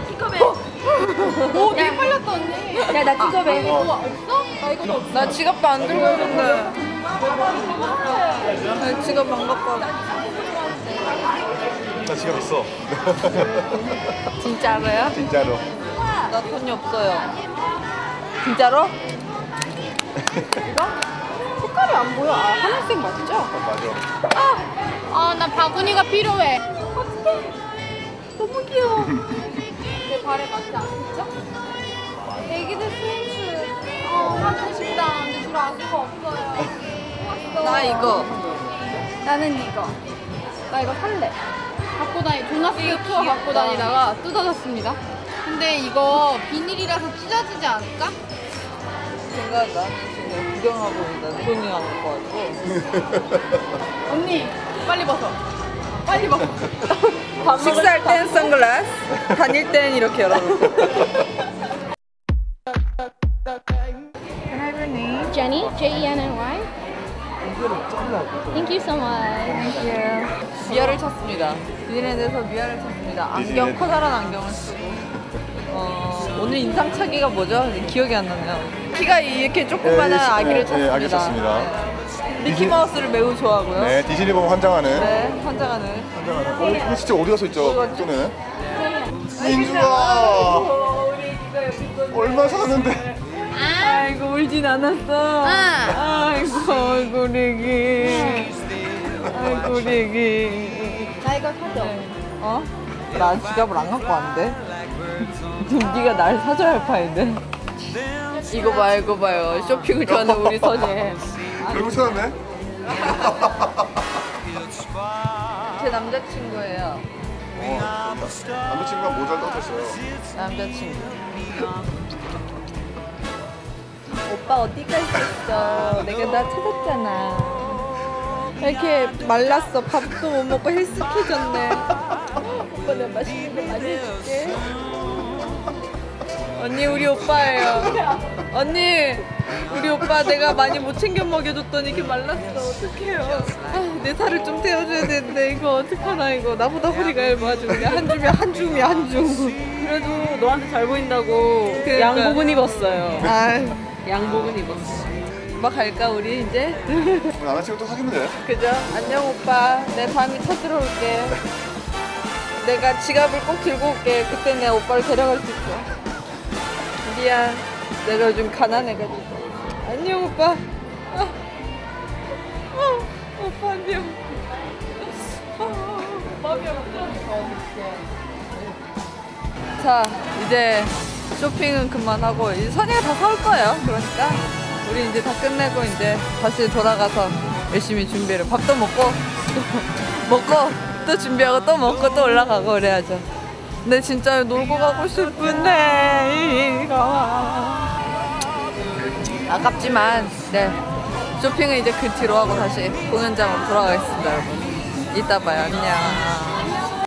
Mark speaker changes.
Speaker 1: 픽업해.
Speaker 2: 오, 되게 빨랐다 언니.
Speaker 1: 야, 나 픽업해.
Speaker 2: 우와, 없어? 나 이것도 없어.
Speaker 3: 나 지갑도 안 들고 있는데. 나 지갑 안 갖고 왔어.
Speaker 4: 나 지갑 있어.
Speaker 3: 진짜로요?
Speaker 4: 진짜로.
Speaker 3: 나 돈이 없어요. 진짜로?
Speaker 2: 이거? 색깔이 안 보여. 아, 하늘색 맞죠?
Speaker 4: 맞아.
Speaker 2: 아, 나 바구니가 필요해. 어떡해. 너무 귀여워. 내 발에 맞지 않겠죠? 애기들 스윙스. 사주고 싶다. 근데 들어갈 수가 없어요.
Speaker 3: 나 이거.
Speaker 2: 나는 이거. 나 이거 살래. 갖고 도나스 투어 갖고 다니다가 뜯어졌습니다. 근데 이거 비닐이라서 찢어지지 않을까?
Speaker 3: 생각나. 지금 구경하고 있는데 돈이 안 갖고 와서.
Speaker 2: 언니, 빨리 벗어. 빨리 벗어.
Speaker 3: 식사할 땐 선글라스, 다닐 땐 이렇게 열어놓고. Can I have your name?
Speaker 2: Jenny, Jenny. Thank you so much.
Speaker 3: Thank you. 미아를 찾습니다. 디즈니랜드에서 미아를 찾습니다. 안경, 커다란 안경을 쓰고. 오늘 인상착의가 뭐죠? 기억이 안 나네요. 키가 이렇게 조그만한 아기를 찾습니다.
Speaker 4: 아기 찾습니다.
Speaker 3: 미키마우스를 매우 좋아하고요.
Speaker 4: 네, 디즈니 보면 환장하는.
Speaker 3: 네, 환장하는.
Speaker 4: 환장하는. 이거 진짜 어디 가서 있죠?
Speaker 3: 이거
Speaker 4: 또는. 민주아. 얼마 사는데?
Speaker 3: 아이고 울진 않았어. 아이고 우리 애기. 아이고 우리 애기.
Speaker 2: 나 이거 사줘.
Speaker 3: 어? 나 지갑을 안 갖고 왔는데. 지금 네가 날 사줘야 할 판인데. 이거 봐 이거 봐요. 쇼핑을 좋아하는 우리 선이.
Speaker 4: 결국 찾았네?
Speaker 3: 제 남자친구예요.
Speaker 4: 남자친구가 모자를 떠줬어요.
Speaker 3: 남자친구. 오빠 어디가 있었어? 내가 나 찾았잖아. 이렇게 말랐어. 밥도 못 먹고 헬스케졌네. 오빠 내가 맛있는 거 많이 해줄게. 언니 우리 오빠예요. 언니 우리 오빠 내가 많이 못 챙겨 먹여줬더니 이렇게 말랐어. 어떡해요. 내 살을 좀 태워줘야 되는데 이거 어떡하나 이거. 나보다 허리가 얇아가지고 그냥 한 줌이야 한 줌.
Speaker 1: 그래도 너한테 잘 보인다고
Speaker 3: 그러니까.
Speaker 1: 양복은 입었어요.
Speaker 3: 아유.
Speaker 1: 양복은 입었어.
Speaker 3: 오빠 갈까 우리 이제?
Speaker 4: 남자친구 또 사귀면 돼.
Speaker 3: 그죠? 안녕 오빠. 내 다음에 찾으러 올게. 내가 지갑을 꼭 들고 올게. 그때 내가 오빠를 데려갈 수 있어. 미안. 내가 요즘 가난해가지고. 안녕 오빠. 오빠 안녕. 마음이 없어. 자 이제 쇼핑은 그만하고 이제 선이가 다 사올 거예요. 그러니까 우리 이제 다 끝내고 이제 다시 돌아가서 열심히 준비를 밥도 먹고 또 준비하고 또 먹고 또 올라가고 그래야죠. 근데 진짜 놀고 가고 싶은데 이거 아깝지만 네 쇼핑은 이제 그 뒤로 하고 다시 공연장으로 돌아가겠습니다 여러분. 이따 봐요. 안녕.